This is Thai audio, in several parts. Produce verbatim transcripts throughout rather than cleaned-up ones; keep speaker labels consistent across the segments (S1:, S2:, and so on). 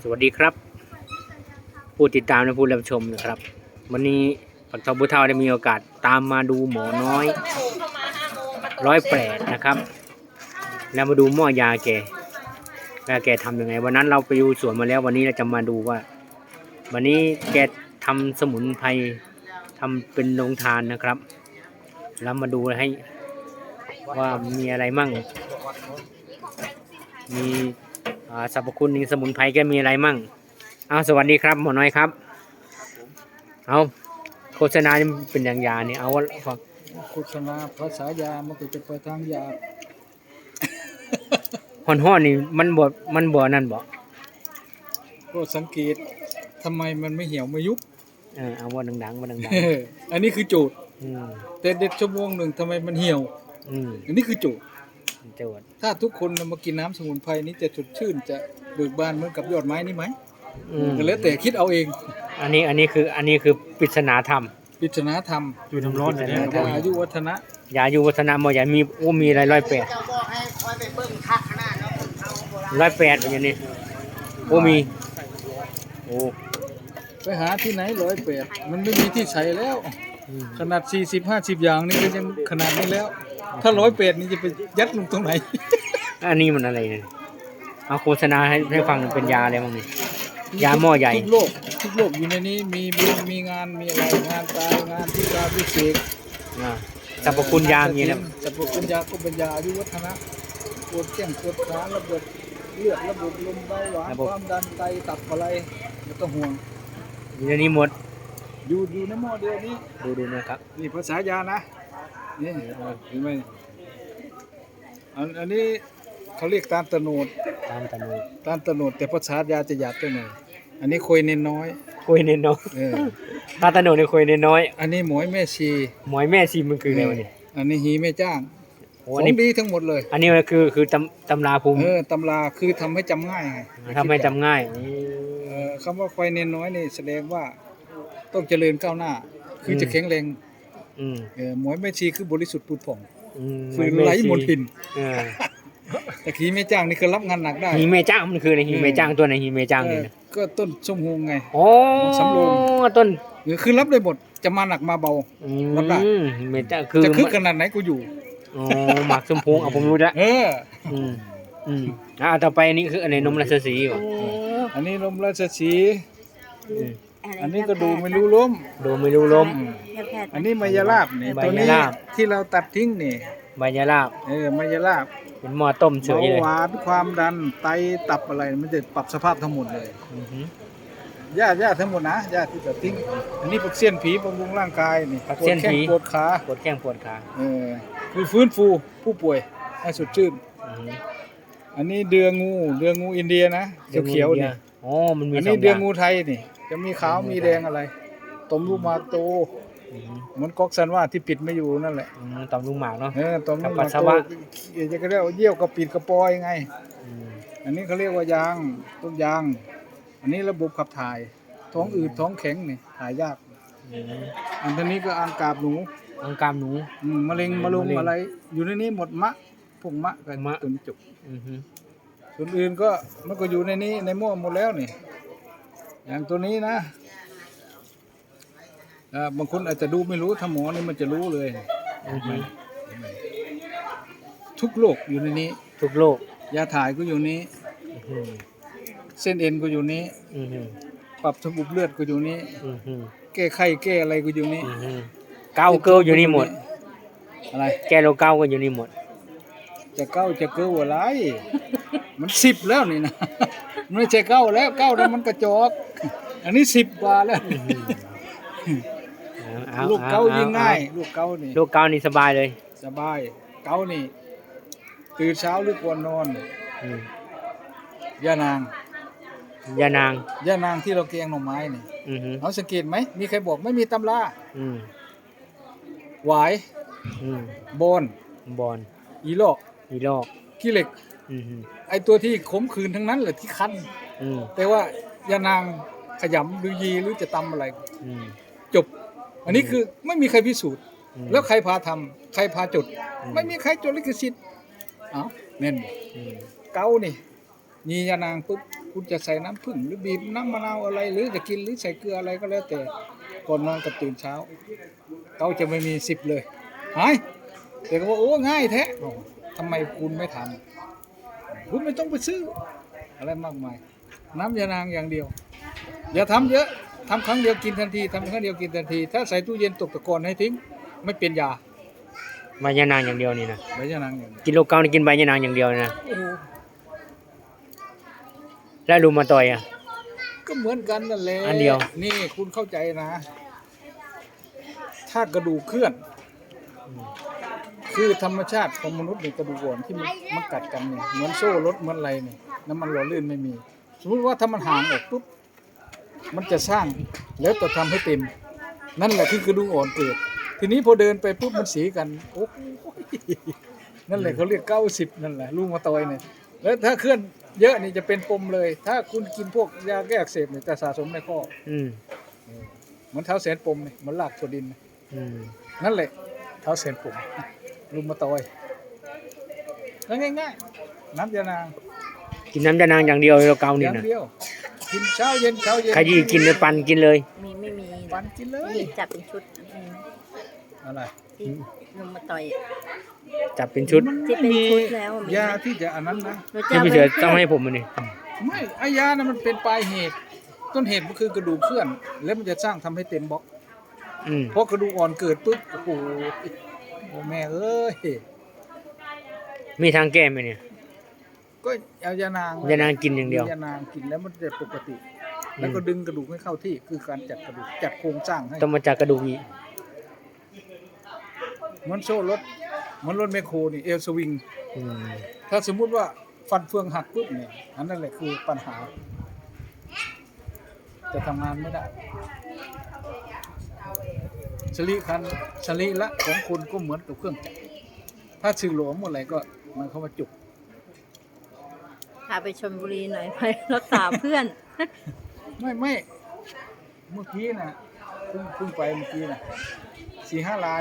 S1: วัสดีครับผู้ติดตามและผู้รับชมนะครับวันนี้ปักทองบุเท่าได้มีโอกาสตามมาดูหมอน้อยร้อยแปดนะครับแล้วมาดูหม้อยาแกแล้วแกทำยังไงวันนั้นเราไปดูสวนมาแล้ววันนี้เราจะมาดูว่าวันนี้แกทำสมุนไพรทำเป็นโรงทานนะครับแล้วมาดูให้ว่ามีอะไรมั่งมีสรรพคุณในสมุนไพรแกมีอะไรมั่งเอาสวัสดีครับหมอน้อยครับเอาโฆษณาเป็นอย่างยาเนี่ยเอาว่า
S2: โฆษณาภาษายามันก็จะไปทางยา
S1: ห่อนห่อนนี่มันบ่มันบ่นั่นบ่
S2: ก็สังเกตทำไมมันไม่เหี่ยวไม่ยุบ
S1: เออเอาว่าดังๆว่าดัง
S2: ๆอันนี้คือโจทย์แต่เด็ดชั่วโมงหนึ่งทำไมมันเหี่ยวอันนี้คือโจทย์
S1: โจทย์
S2: ถ้าทุกคนมากินน้ำสมุนไพรนี้จะสดชื่นจะเบิกบานเหมือนกับยอดไม้นี่ไหมแล้วแต่คิดเอาเอง
S1: อันนี้อันนี้คืออันนี้คือปริศนาธรรม
S2: ปริศนาธรรม
S1: อยู่น้ำร้อนเลย
S2: ยาอายุวัฒนะ
S1: ยาอายุวัฒนะหมอใหญ่มีโอ้มีอะไรร้อยแปดร้อยแปดอย่างนี้โอ้มีโอ้
S2: ไปหาที่ไหนร้อยแปดมันไม่มีที่ใส่แล้วขนาดสี่สิบห้าสิบอย่างนี่ก็ยังขนาดนี้แล้วถ้าร้อยแปดนี่จะไปยัดลงตรงไหน
S1: อันนี้มันอะไรเนี่ยเอาโฆษณาให้ให้ฟังเป็นยาอะไรบ้างนี่ยาหม้อใหญ่
S2: ทุกโลกทุกโลกอยู่ในนี้มีบุญมีงานมีอะไรงานตายงานที่การพิเศษ
S1: สรรพคุณยามีนะ
S2: สรรพคุณยาก็เป็นยาอายุวัฒนะปวดแข้งปวดขาระบบเลือดระบบลมเบาหวานความดันไตตับอะไรไม่ต้องห่วง
S1: อยู่ในนี้หมด
S2: อยู่อยู่ในหม้อเดียวนี้
S1: ดูดูนะครับ
S2: นี่ภาษายานะนี่เห็นไหมอันอันนี้เขาเรียกตาลตะโนด
S1: ตาลตะโนด
S2: ตาลตะโนดแต่ภาษายาจะหยาบไปหน่อยอันนี้คุยเน้นน้อย
S1: คุยเน้นน้อยตาลตะโนดเนี่ยคุยเน้นน้อย
S2: อันนี้หมวยแม่ชี
S1: หมวยแม่ชีมันคืออะไรวะนี่
S2: อันนี้หีแม่จ้างของดีทั้งหมดเลย
S1: อันนี้มันคือคือตำตำราภูมิ
S2: เออตำราคือทำให้จำง่ายไง
S1: ทำให้จำง่าย
S2: เออคำว่าควายเน้นน้อยนี่แสดงว่าต้องเจริญก้าวหน้าคือจะแข็งแรงเออหมวยแม่ชีคือบริสุทธิ์ผุดผ่องคือไร้มลทินแต่หีแม่จ้างนี่คือรับงานหนักได้
S1: หีแม่จ้างมันคืออะไรหีแม่จ้างตัวไหนหีแม่จ้างนี่
S2: ก็ต้นส้มฮงไง
S1: โอ้
S2: สำโรง
S1: ต้น
S2: คือรับได้หมดจะมาหนักมาเบารับได้
S1: แม่จ้างคือ
S2: จะคึกขนาดไหนกูอยู่
S1: อ๋อหมักส้มพงเอาผมรู้แล้ว
S2: เออ
S1: อืมอืมอ่าต่อไปนี่คืออันไหนนมราชสีห์
S2: อันนี้นมราชสีห์อันนี้ก็ดูไม่รู้ล้ม
S1: ดูไม่รู้ล้ม
S2: อันนี้มายาลาบนี่ตัวนี้ที่เราตัดทิ้งนี่
S1: มายาลาบ
S2: เออมายาลาบ
S1: เป็นหม้อต้มเฉยเลย
S2: หวานความดันไตตับอะไรมันจะปรับสภาพทั้งหมดเลยยาญาทั้งหมดนะยาที่ตัดทิ้งอันนี้ปักเสี้ยนผีบำรุงร่างกายนี่
S1: ปวดแข้ง
S2: ปวดขา
S1: ปวดแข้งปวดขา
S2: เออคือฟื้นฟูผู้ป่วยให้สดชื่นอันนี้เดืองูเดืองูอินเดียนะเขียวๆนี่
S1: อ๋อมันมี
S2: อันนี้เดืองูไทยนี่จะมีขาวมีแดงอะไรต้มลูกมาโตเหมือนก๊อกซันว่าที่ปิดไม่อยู่นั่นแหละ
S1: ต้มลูกหมากเนาะ
S2: เออต้มลูกหมากโตจะเรียกว่าเยี่ยวกระปิดกระปอยไงอันนี้เขาเรียกว่ายางต้นยางอันนี้ระบบขับถ่ายท้องอืดท้องแข็งนี่ถ่ายยากอันนี้ก็อังกาบหนู
S1: อังกาบหนู
S2: มะเร็งมะลุมอะไรอยู่ในนี้หมดมะพวกมะกันมะตุนจุกส่วนอื่นก็มันก็อยู่ในนี้ในหม้อหมดแล้วนี่อย่างตัวนี้นะบางคนอาจจะดูไม่รู้ถ้าหมอนี่มันจะรู้เลยทุกโรคอยู่ในนี้
S1: ทุกโรค
S2: ยาถ่ายก็อยู่นี้เส้นเอ็นก็อยู่นี้ปรับระบบเลือดก็อยู่นี้แก้ไข้แก้อะไรก็อยู่นี้
S1: เก้าเกลืออยู่นี่หมด
S2: อะไร
S1: แก้โรคเก้าก็อยู่นี่หมด
S2: จะเก้าจะเกลืออะไรมันสิบแล้วนี่นะไม่ใช่เก้าแล้วเก้าแล้วมันกระจอกอันนี้สิบกว่าแล้วลูกเก้ายิ่งง่ายลูกเก้านี่
S1: ลูกเก้านี่สบายเลย
S2: สบายเก้านี่ตื่นเช้าหรือก่อนนอนย่านาง
S1: ย่านาง
S2: ย่านางที่เราแกงหน่อไม้นี่เขาสังเกตไหมมีใครบอกไม่มีตำราหวายบอน
S1: บอน
S2: อีลอก
S1: อีลอก
S2: ขี้เหล็กไอตัวที่ขมขื่นทั้งนั้นแหละที่คั้นแต่ว่ายานางขยำหรือยีหรือจะตำอะไรจบอันนี้คือไม่มีใครพิสูจน์แล้วใครพาทำใครพาจดไม่มีใครจดลิขสิทธิ์เอ้าเน่นเก้านี่ยียานางปุ๊บคุณจะใส่น้ำผึ้งหรือบีบน้ำมะนาวอะไร หรือจะกินหรือใส่เกลืออะไรก็แล้วแต่ก่อนนอนกับตื่นเช้าเขาจะไม่มีสิบเลยหายแต่ก็ว่าโอ้ง่ายแท้อ้าวทำไมคุณไม่ทำคุณไม่ต้องไปซื้ออะไรมากมาย น้ำยานางอย่างเดียว อย่าทำเยอะทำครั้งเดียวกินทันทีทำครั้งเดียวกินทันที ถ้าใส่ตู้เย็นตกตะกอนให้ทิ้งไม่เป็นยา
S1: ใบยานางอย่างเดียวนี่นะ
S2: ใบยานางอย่างเดียว
S1: กินโลเก้านี่กินใบยานางอย่างเดียวนะ
S2: โอ้โห
S1: แล้วรูมาตอยอ่ะ
S2: ก็เหมือนกันนั่นแหละ
S1: อันเดียว
S2: นี่คุณเข้าใจนะ ถ้ากระดูกเคลื่อน คือธรรมชาติของมนุษย์ในกระดูกอ่อนที่มันมันกัดกันเนี่ยเหมือนโซ่รถเหมือนอะไรเนี่ยน้ำมันหล่อลื่นไม่มี สมมติว่าถ้ามันห่างออกปุ๊บมันจะสร้างแล้วจะทำให้เต็ม นั่นแหละคือกระดูกอ่อนเกิด ทีนี้พอเดินไปปุ๊บมันสีกันโอ้โหนั่นแหละเขาเรียกเก้าสิบนั่นแหละลูกมาตอยเนี่ยแล้วถ้าเคลื่อนเยอะนี่จะเป็นปมเลย ถ้าคุณกินพวกยาแก้อักเสบเนี่ยจะสะสมในข้อ
S1: อืม
S2: เหมือนเท้าแสนปมเนี่ยเหมือนลากถั่วดินเนี่ย
S1: อืม
S2: นั่นแหละเท้าแสนปมลูกมาตอยแล้วง่ายๆน้ำยานาง
S1: กินน้ำยานางอย่างเดียวโลเก้า
S2: อ
S1: นี่
S2: ย่าง
S1: นะ
S2: เดียวกินเช้าเย็นเช้าเย็น
S1: ขยี้กินเลยปันกินเลย
S3: มีไม่มี
S2: ปันกินเลย
S3: มีจับเป็นชุดอืม
S2: อะไร
S3: ที่ลุงมาต่อย
S1: จับเป็นชุด
S2: มัน
S3: ที่
S2: ไม่
S3: เป็น
S2: มี
S3: ชุดแล้วมี
S2: ยาที่จะอันนั้นนะ
S3: หนู
S1: ที่
S3: จะ
S1: พี่เสือต้องให้ผมมันนี่
S2: ไม่ไอยานะมันเป็นปลายเหตุ ต้นเหตุมันคือกระดูกเคลื่อน แล้วมันจะสร้างทำให้เต็มบล็อก
S1: อืม
S2: เพราะกระดูกอ่อนเกิดปุ๊บโอ้โหโอ้แม่เอ้ย
S1: มีทางแก้ไหมเนี่ย
S2: ก็เอายานาง
S1: ยานางกินอย่างเดียว
S2: ยานางกินแล้วมันจะปกติ แล้วก็ดึงกระดูกให้เข้าที่คือการจัดกระดูกจัดโครงสร้างให้
S1: ต้องมาจากกระดูกอีก
S2: เหมือนโซ่รถเหมือนรถแมคโครนี่เอลสวิง
S1: อืม
S2: ถ้าสมมุติว่าฟันเฟืองหักปุ๊บเนี่ยอันนั้นแหละคือปัญหา จะทำงานไม่ได้สลีคันสลีละของคนก็เหมือนกับเครื่องจักรถ้าสื่อหลวมหมดอะไรก็มันเข้ามาจุก
S3: พาไปชลบุรีหน่อยไปรักษาเพื่อน
S2: ไม่ไม่เมื่อกี้นะเพิ่งเพิ่งไปเมื่อกี้นะสี่ห้าลาย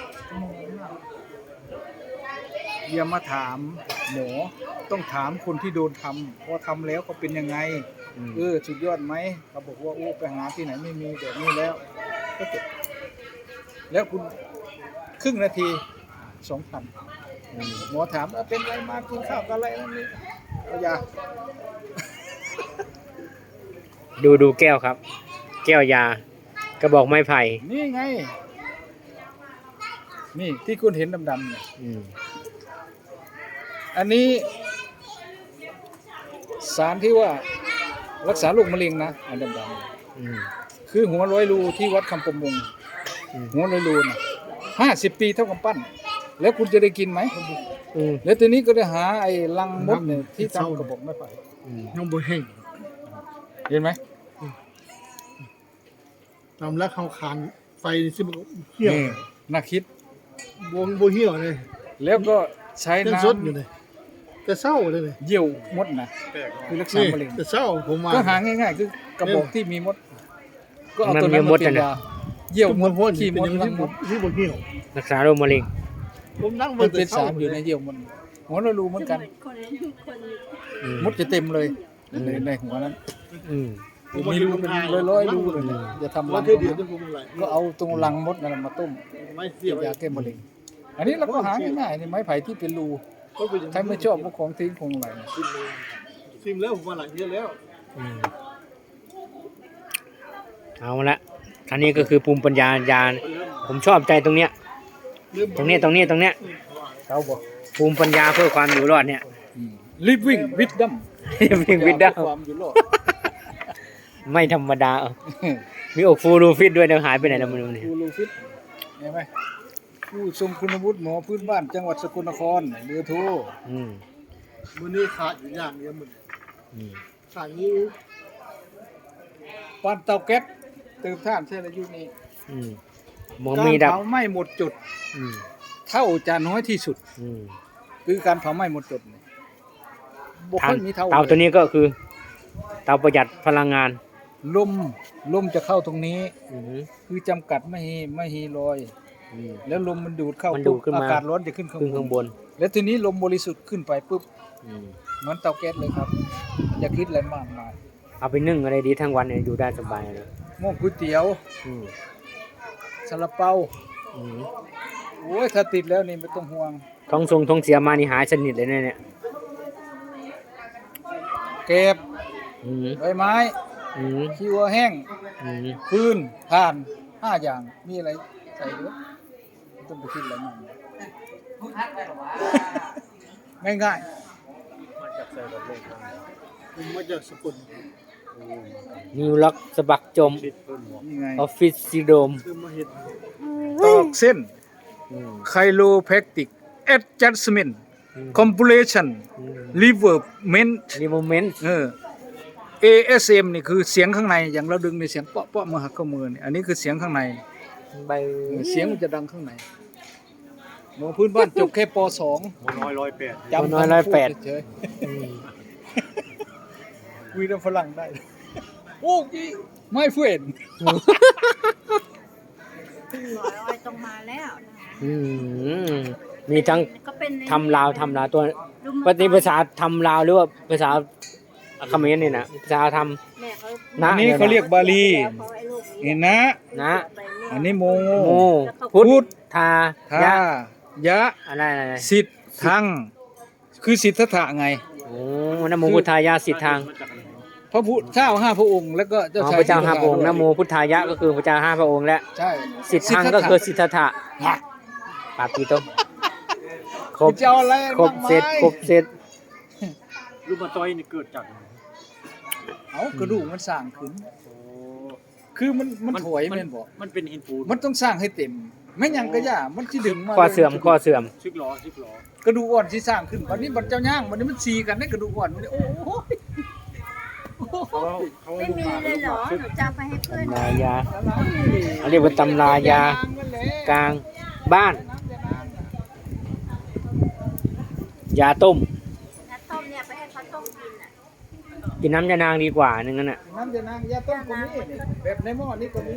S2: อย่ามาถามหมอต้องถามคนที่โดนทำพอทำแล้วก็เป็นยังไง
S1: อืม
S2: เออสุดยอดไหมเขาบอกว่าโอ้ไปหาที่ไหนไม่มีแบบนี้แล้วก็จบแล้วคุณครึ่งนาทีสองพันหมอถามว่าเป็นไรมากินข้าวกับอะไรนั่นนี่เอายา
S1: ดูดูแก้วครับ แก้วยากระบอกไม้ไผ่
S2: นี่ไง นี่ที่คุณเห็นดำๆเนี่ย
S1: อืม
S2: อันนี้สารที่ว่ารักษาโรคมะเร็งนะอันดำๆ
S1: อืม
S2: คือหัวร้อยรูที่วัดคำประมง
S1: อืม
S2: หัวร้อยรูนะห้าสิบปีเท่ากับปั้น แล้วคุณจะได้กินไหม
S1: อืม
S2: แล้วทีนี้ก็ได้หาไอ้ลังมดเนี่ยที่ทำกระบอกไม้ไผ่
S1: อืม
S4: ยังบ่แห้ง
S2: เห็นไหม
S4: ตามแล้วเขาคานไฟซึ่งมันเหี่ยว
S2: นี่น่าคิด
S4: บวงบ่เหี่ยวเลย
S2: แล้วก็ใช้
S4: ยัง
S2: น้
S4: สดอยู่เลยแต่เศร้าเลยเลย
S2: ำเยี่ยวมดนะคือรักษา
S4: นี่
S2: มะเร็ง
S4: แต่เศร้าผมมา
S2: ก็หาง่ายๆ คือกระบอกที่มีมด ก็เอาตัวนั้นมาเป็นยาเยี่ยวมด
S4: พ่น
S2: ขี้
S4: เป็
S2: ม
S4: น
S2: ด
S4: ยัง
S2: ลั
S4: ที่
S2: ง
S4: ผม
S2: ด
S4: ที่บ่เหี่ยว
S1: รักษาโรคมะเร็ง
S4: ผมนั่ง
S2: มัน
S4: แต่
S2: เป็น
S4: เศร้า
S2: สารอยู่ในเยี่ยวมันหัวเรารู้เหมือนกัน
S1: อืม
S2: มดจะเต็มเลยในในหัวนั้น
S1: อืม
S2: มีรูเป็นร้อยๆรูเลยนะจะทำรั
S4: ว่าง เธอเดียวจะผมอะไร
S2: ก็เอาตรงรังมดนั่นแหละมาต้ม
S4: ไม่เสีย
S2: เป็นยาแก้มะเร็งอันนี้เราก็หาง่ายๆในไม้ไผ่ที่เป็นรูใครไม่ชอบพวกของทิ้งของอะไรนะ
S4: ซิมแล้วผมมาหลายเยอะแล้ว
S1: อืมเอาละอันนี้ก็คือภูมิปัญญายาผมชอบใจตรงเนี้ย ตรงเนี้ยตรงเนี้ยตรงเนี้ย
S2: เขาบอก
S1: ภูมิปัญญาเพื่อความอยู่รอดเนี่ย
S2: living wisdom
S1: วิ่งวิดได้
S2: ความอยู่รอด
S1: ไม่ธรรมดาเออมีอกฟูรูฟิตด้วยนะหายไปไหนแล้วไมันนี่
S2: ครูลูฟิตเห็นไหมผู้ทรงคุณวุฒิหมอพื้นบ้านจังหวัดสกลนครเรือโทร
S1: อืม
S4: มื้อนี้ขาดอยู่อย่างเดียวมัน
S1: อืม
S4: ขาดนี้
S2: ปานเตาแก๊สเติมท่านใช่อายุนี้
S1: อืมหมอ
S2: การ
S1: มีดับ
S2: เผาไหม้หมดจุด
S1: อืม
S2: เท่าจะน้อยที่สุด
S1: อืม
S2: คือการเผาไหม้หมดจุดเนี่ยบ่
S1: ทา
S2: ค่อยมีเท่า
S1: เตาตัว
S2: เลย
S1: นี้ก็คือ เตาประหยัดพลังงาน
S2: ลมลมจะเข้าตรงนี้
S1: อืม
S2: คือจำกัดไม่ให้ไม่ให้ลอย
S1: อืม
S2: แล้วลมมันดูดเข้า
S1: มันดูดขึ้นมา
S2: อากาศร้อนจะขึ้นข้าง
S1: ขึ้นข้าง
S2: บบ น
S1: น
S2: แล้วทีนี้ลมบริสุทธิ์ขึ้นไปปุ๊บ
S1: อืม
S2: เหมือนเตาแก๊สเลยครับอย่าคิดอะไรมากมาย
S1: เอาไปนึ่งอะไรดีทั้งวันเนี่ยอยู่ได้สบายเลย
S2: หม้อก๋วยเตี๋ยว
S1: อืม
S2: ซาลาเปา
S1: อืม
S2: โอ้ยถ้าติดแล้วนี่ไม่ต้องห่วง
S1: ท้องทรงท้องเสียมานี่หายสนิทเลยเนี่ยเนี่ย
S2: เก็บ
S1: อืม
S2: ใบไม้
S1: อืม
S2: ขี้วัวแห้ง
S1: อืม
S2: ฟืนถ่านห้าอย่างมีอะไรใส่ด้วยไม่ต้องไปคิดอะไรมากมายง่าย
S4: ผมมาจากสกุล
S1: นิวล็อกสะบักจม
S2: ๆนี่ไง
S1: ออฟฟิศซิโดม
S4: คือมาเห็น
S2: ตอกเส้น
S1: อืม
S2: ไคโลแพคติกแอดจัสเมนต์
S1: อืม
S2: คอมพูเลชัน
S1: อืม
S2: รีเวิร์บเมนต์
S1: นี่โมเมนต์
S2: เออ เอ เอส เอ็ม นี่คือเสียงข้างในอย่างเราดึงในเสียงเปาะเปาะมาหักข้อมือนี่อันนี้คือเสียงข้างใน
S1: ใบ
S2: เสียงมันจะดังข้างในหมอพื้นบ้านจบแค่ป สอง
S4: น้อยร้อยแปด
S2: จำ
S1: น้อยร้อยแปด
S2: เฉย
S1: อืม
S2: ๆวีดฝรั่งได้ โอ้ยไม่เฟื่อน
S3: ร้อยอ้อยต้องมาแล้วนะ
S1: อืมมีทั้ง
S3: ก็เป็นใน
S1: ทำลาวทำลาวตัว
S3: ลุม
S1: ปฏิภาษาทำลาวหรือว่าภาษาเขมรนี่นะภาษาท
S3: แม่เขา
S1: นะ
S2: อันนี้เขาเรียกบาลี
S3: เขาไอ้ลูก
S2: นี่นะ
S1: ำนะ
S2: อันนี้โม
S1: โม
S2: พุ
S1: พุ
S2: ท
S1: ท
S2: ธ
S1: ธา
S2: ทาย
S1: ะ
S2: ยะ
S1: อะไรอะไรอะไร
S2: สิทธัง คือสิทธัตถะไง
S1: โอ้นะโมพุทธายะสิทธัง
S2: พระพุทธเจ้าห้าพระองค์แล้วก็เจ้า
S1: อ๋อ
S2: ชาย
S1: พระเจ้าห้าพระองค์
S2: ด้วย
S1: นะโมพุทธายะก็คือพระเจ้าห้าพระองค์และ
S2: ใช่
S1: สิทธังก็คือสิทธัตถะ
S2: ฮะ
S1: ปาปีโตครบ
S2: จะเอาอะไร
S1: ครบเสร็จครบเสร็จ
S4: รูปมาต้อยนี่เกิดจาก
S2: เอากระดูกมันสร้างขึ้น คือมันมันถอยแม่นบอก
S4: มันเป็นหินปูน
S2: มันต้องสร้างให้เต็ม ไม่หยังก็ย่ามันสิดึงมา
S1: ข้อเสื่อมข้อเสื่อม
S4: ชิกล้อชิกล้อก
S2: ระดูกอ่อนที่สร้างขึ้นวันนี้บัดเจ้าย่างวันนี้มันซีกันในกระดูกอ่อนมันโอ้โห
S4: เขาเขา
S3: ไม่มีเลยเหรอหนูจะเอาไปให้เพื่อน
S1: ตำรายาเขาเรียกว่าตำรายากลางบ้าน ยาต้ม
S3: น้ำต้มเนี่ยไปให้เขาต้มกินอ่ะ
S1: กินน้ำยานางดีกว่านึงนั่นน่ะ
S2: น้ำยานางยาต้มก็มีนี่แบบในหม้อนี่ก็มี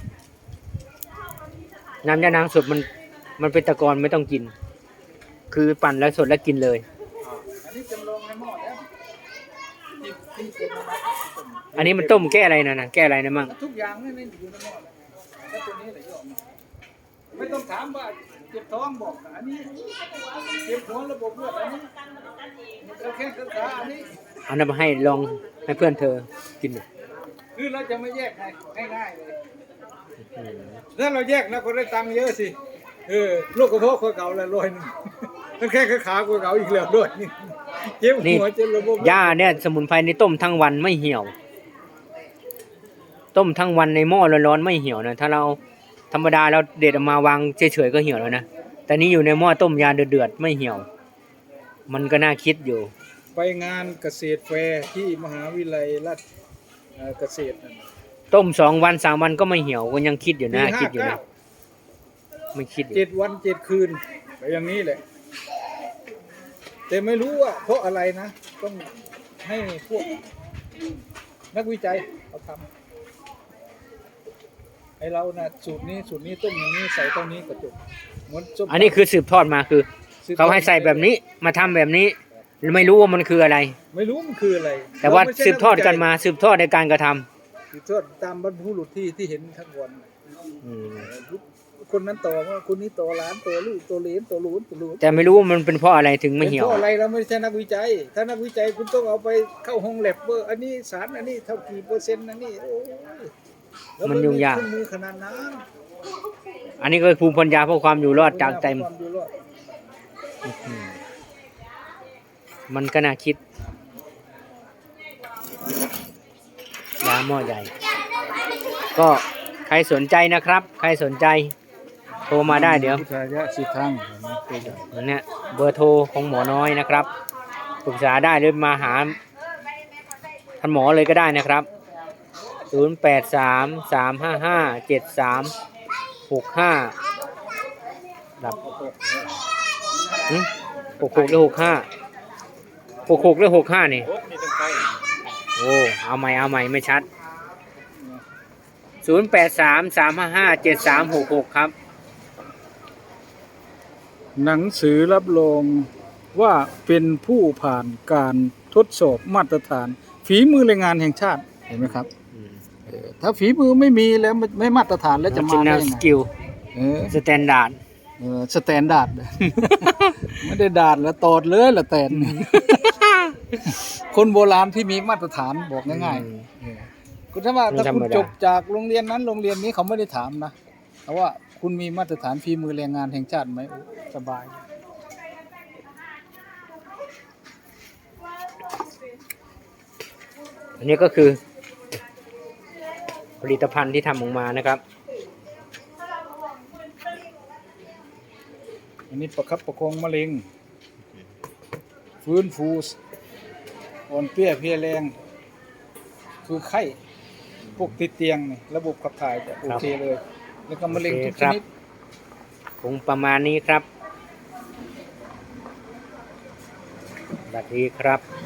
S1: น้ำยานางสดมันมันเป็นตะกอนไม่ต้องกิน คือปั่นแล้วสดแล้วกินเลย
S2: อันนี้จำลองในหม้อแล้วที่ที่เป็นน้ำ
S1: อันนี้มันต้มแก้อะไรนะนะแก้อะไรนะมั่ง
S2: ทุกอย่างนี่อยู่ในหม้อแล้วแล้วตัวนี้แหละยอมไม่ต้องถามว่าเจ็บท้องบอกอันนี้เจ็บหัวระบบเลือดอันนี้เราแค่ศึกษาอันนี้
S1: เอานำมาให้ลองให้เพื่อนเธอกินหน่อย
S2: คือเราจะไม่แยกให้ง่ายๆเลย
S1: อืม
S2: ถ้าเราแยกนะคนได้ตังค์เยอะสิเออโรคกระเพาะคนเก่าแล้วร้อยหนึงมันแค่ขาคนเก่าอีกแล้วด้วยนี่เจ็บหัวเจ็บระบบ
S1: ย่าเนี่ยสมุนไพรในต้มทั้งวันไม่เหี่ยว ต้มทั้งวันในหม้อร้อนๆไม่เหี่ยวนะถ้าเราธรรมดาเราเด็ดออกมาวางเฉยๆก็เหี่ยวแล้วนะแต่นี่อยู่ในหม้อต้มยาเดือดๆไม่เหี่ยว มันก็น่าคิดอยู่
S2: ไปงานเกษตรแฟร์ที่มหาวิทยาลัยราชเอ่อเกษตรนั่น
S1: ต้มสองวันสามวันก็ไม่เหี่ยวก็ยังคิดอยู่นะ
S2: ปีห้า
S1: คิดอยู่นะ
S2: เก้า
S1: ไม่คิดอยู่
S2: เจ็ดวันเจ็ดคืนไปอย่างนี้แหละ แต่ไม่รู้ว่าเพราะอะไรนะ ต้องให้พวกนักวิจัยเขาทำไอเรานะ่ะสูตรนี้สูตรนี้ต้มอย่างนี้ใส่เท่านี้ก็จบเหมือนส้มตำ
S1: อันนี้คือสืบทอดมาคือ เขาให้ใส่แบบนี้มาทำแบบนี้ ไม่รู้ว่ามันคืออะไร
S2: ไม่รู้มันคืออะไร
S1: แต่ว่า
S2: เรไม่ใช่
S1: สืบทอดกันมาสืบทอดในการกระทำ
S2: สืบทอดตามบรรพบุรุษที่ที่เห็นทั้งวันน่ะ
S1: อืม
S2: คนนั้นต่อว่าคนนี้ต่อหล้านต่อลูกต่อเหลนต่อหลูนต่อหลูน
S1: แต่ไม่รู้ว่ามันเป็นเพราะอะไรถึงไม่
S2: เป็น
S1: เหี่ยว
S2: เพราะอะไรเราไม่ใช่นักวิจัย ถ้านักวิจัยคุณต้องเอาไปเข้าห้องแลบเบอร์อันนี้สารอันนี้เท่ากี่เปอร์เซ็นต์อันนี้โอ้ยแล้ว
S1: มันยุ่งยาก
S2: เครื่องมือขนาดนั้น
S1: อันนี้ก็คือภูมิปัญญาเพื่อความอยู่รอดจากเต็ม
S2: ความอยู่รอด
S1: อืมมันก็น่าคิดยาหม้อใหญ่ ก็ใครสนใจนะครับ ใครสนใจ โทรมาได้เดี๋ยว
S2: พุทธายะสิทธัง
S1: เนี่ยเบอร์โทรของหมอน้อยนะครับปรึกษาได้หรือมาหาท่านหมอเลยก็ได้นะครับศูนย์ แปด สาม สาม ห้า ห้า เจ็ด สาม หก ห้าดับหึหกหกหรือหกห้าหกหกหรือหกห้านี่
S2: โอ้นี่ตั้งใจ
S1: โอ้เอาใหม่เอาใหม่ไม่ชัดศูนย์ แปด สาม สาม ห้า ห้า เจ็ด สาม หก หกครับ
S2: หนังสือรับรองว่าเป็นผู้ผ่านการทดสอบมาตรฐาน ฝีมือแรงงานแห่งชาติเห็นไหมครับ
S1: อืม
S2: เออถ้าฝีมือไม่มีแล้วไม่ไม่มาตรฐานแล้วจะมา
S1: จิน
S2: ได้
S1: แนว
S2: ยัง
S1: ส
S2: ไง
S1: กิล
S2: เออ
S1: สแตนดาร์ด
S2: เออสแตนดาร์ด ไม่ได้ดาดแล้วตอดเลยละแตน คนโบราณที่มีมาตรฐานบอกง่ายๆเออคุณถ้าว่าถ้าคุณจบจากโรงเรียนนั้นโรงเรียนนี้เขาไม่ได้ถามนะแต่ว่าคุณมีมาตรฐานฝีมือแรงงานแห่งชาติไหมโอ้สบาย
S1: อันนี้ก็คือผลิตภัณฑ์ที่ทำออกมานะครับ
S2: อันนี้ประคับประคองมะเร็งฟื้นฟูอ่อนเปรี้ยเพลียแรง คือไข้พวกติดเตียงนี่ระบบขับถ่ายจะโอเคเลย แล้วก็มะเร็งทุกชนิด
S1: คงประมาณนี้ครับสวัสดีครับ